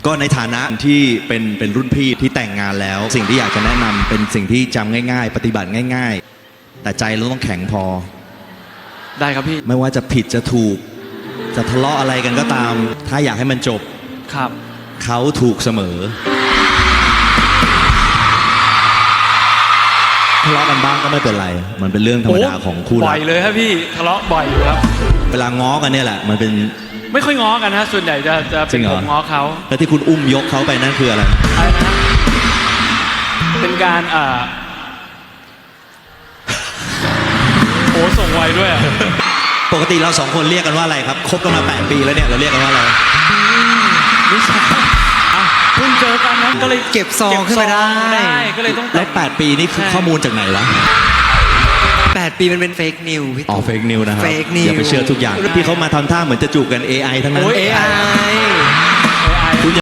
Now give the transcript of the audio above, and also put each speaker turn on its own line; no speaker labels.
ก็ในฐานะที่เป็นรุ่นพี่ที่แต่งงานแล้ว สิ่งที่อยากจะแนะนำเป็นสิ่งที่จำง่ายๆ ปฏิบัติง่ายๆ แต่ใจเราต้องแข็งพอ
ได้ครับพี่
ไม่ว่าจะผิดจะถูก จะทะเลาะอะไรกันก็ตาม ถ้าอยากให้มันจบ
ครับ
เขาถูกเสมอทะเลาะกันบ้างก็ไม่เป็นไร มันเป็นเรื่องธรรมดาของคู่
บ่
รั
อก ยเลยครับพี่ทะเลาะบ่อยอยู่ครับ
เวลาง้อกันเนี่ยแหละมันเป็น
ไม่ค่อยง้อกันนะส่วนใหญ่จะ
จริ
เป็น
งเหรอ
ผมง้อเขา
แล้วที่คุณอุ้มยกเขาไปนั่นคืออะไร
อะไรนะฮะเป็นการโอ้ส่งไวด้วยอะ
ปกติเราสองคนเรียกกันว่าอะไรครับคบกันมา8 ปีแล้วเนี่ยเราเรียกกันว่าอะไร
ไม่ใช่เพิ่งเจอกันนะก็เลย
เก็บซองขึ้นมาได้
ก็เลยต้อง
แล้ว8 ปีนี่คือข้อมูลจากไหนวะ
8 ปีมันเป็นเฟกนิวพี่
อ๋อ
ตุ๊ก
เฟกนิวนะครับ
Fake news
อย่าไปเชื่อทุกอย่างที่เขามาทำท่าเหมือนจะจูบกัน AI ทั้งนั้น
โอ้ย
AI